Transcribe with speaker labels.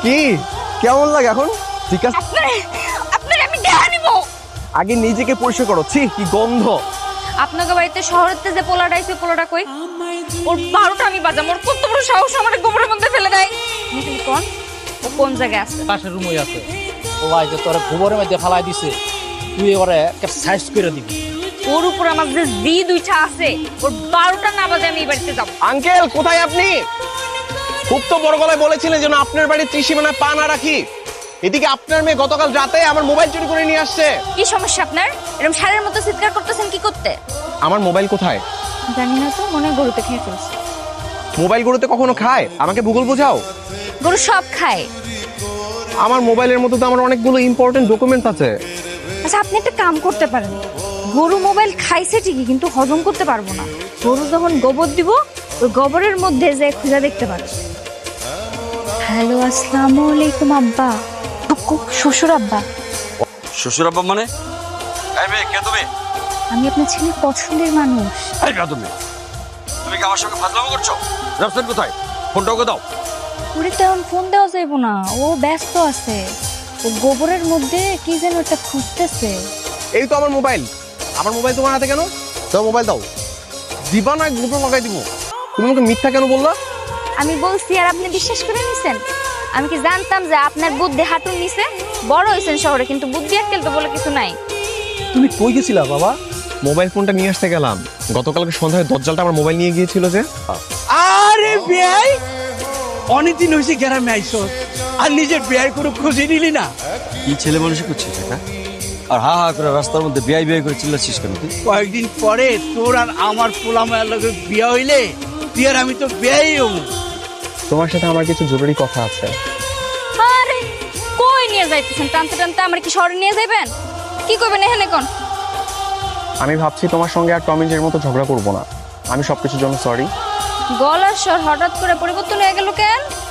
Speaker 1: কি কেমন লাগে এখন? ঠিক আছে,
Speaker 2: আপনার আমি দেখা নিব।
Speaker 1: আগে নিজেকে পরিষ্কার করো। ছি, কি গন্ধ।
Speaker 2: আপনাকে বাড়িতে শহরেতে যে পোলাটা আইছে, পোলাটা কই? ওর 12টা আমি বাজাম। ওর কত বড় সাহস আমার গোবরের মধ্যে ফেলে দেয়। আপনি খালি কোন ও কোন জায়গায় আছে?
Speaker 3: পাশের রুমই আছে। ও ভাই যে তোর গোবরের মধ্যে ফালাই দিছে, তুই এবারে সাইজ করে দিবি।
Speaker 2: ওর উপর আমার যে জি দুইটা আছে, ওর 12টা না বাজে আমি এই বাড়িতে যাব।
Speaker 1: আঙ্কেল কোথায় আপনি? খুব তো বড় গলায় বলেছিলেন যেন আপনার বাড়ির ত্রিসীমানায় পা না রাখি। এদিকে আপনার মেয়ে গতকাল রাতে আমার মোবাইল চুরি করে নিয়ে আসছে।
Speaker 2: কি সমস্যা আপনার? এরকম সারের মতো চিৎকার করতেছেন কি করতে?
Speaker 1: আমার মোবাইল কোথায়?
Speaker 2: জানি না তো, মনে হয় গরুতে খেয়ে ফেলছে।
Speaker 1: মোবাইল গরুতে কখনো খায়? আমাকে ভূগোল বোঝাও।
Speaker 2: গরু সব খায়।
Speaker 1: আমার মোবাইলের মতো তো আমার অনেকগুলো ইম্পর্টেন্ট ডকুমেন্ট আছে।
Speaker 2: আচ্ছা, আপনি একটা কাম করতে পারেন। গরু মোবাইল খাইছে ঠিকই, কিন্তু হজম করতে পারবো না। গরু যখন গোবর দিব, ওই গোবরের মধ্যে যে খুঁজে দেখতে পারে। হ্যালো, আসসালামু আলাইকুম আব্বা। শ্বশুর আব্বা।
Speaker 4: শ্বশুর আব্বা মানে? এই মেয়ে, কে তুমি?
Speaker 2: আমি আপনার ছেলে পছন্দের মানুষ।
Speaker 4: এই না তুমি তুমি কি আমার সঙ্গে ফাজলামো করছো? রাফসান কোথায়? ফোনটা ওকে দাও।
Speaker 2: ওরে তেমন ফোন দেওয়া যাইব না, ও ব্যস্ত আছে। ও গোবরের মধ্যে কি যেন একটা খুঁজতেছে।
Speaker 1: এই তো আমার মোবাইল। আমার মোবাইল তোমার হাতে কেন? দাও মোবাইল দাও। দিবা না গ্রুপে লাগাই দিব। তুমি আমাকে মিথ্যা কেন বললা?
Speaker 2: আমি বলছি আর আপনি বিশ্বাস করে নিছেন? আমি কি জানতাম যে আপনার বুদ্ধি হাঁটুর নিচে? বড় হয়েছেন শহরে, কিন্তু বুদ্ধি আক্কেল তো বলে কিছু নাই।
Speaker 3: তুমি কই গেছিলা বাবা?
Speaker 1: মোবাইল ফোনটা নিয়ে আসতে গেলাম। গতকালকে সন্ধ্যায় দজ্জালটা আমার মোবাইল নিয়ে গিয়েছিল যে।
Speaker 5: আরে বেয়াই, অনেকদিন হয়েছে গ্রামে আইসো আর নিজের বেয়াই করে খুঁজে নিলি না।
Speaker 4: কি ছেলে মানুষ করছিস এটা? আর হা হা করে রাস্তার মধ্যে বিয়াই বিয়াই করে চিল্লাচ্ছিস কেন তুই?
Speaker 5: কয়েকদিন পরে তোর আর আমার পোলা মায়ের লগে বিয়া হইলে তুই আর আমি তো বেয়াই হবো।
Speaker 1: তোমার সাথে আমার কিছু জরুরি কথা আছে।
Speaker 2: আরে কই নিয়ে যাইতেছেন? টানতে টানতে আমার কি শহরে নিয়ে যাবেন? কি করবেন এখানে কোন?
Speaker 1: আমি ভাবছি তোমার সঙ্গে আর টম এন্ড জেরির মতো ঝগড়া করবো না। আমি সবকিছুর জন্য সরি।
Speaker 2: গলার স্বর হঠাৎ করে পরিবর্তন হয়ে গেল কেন?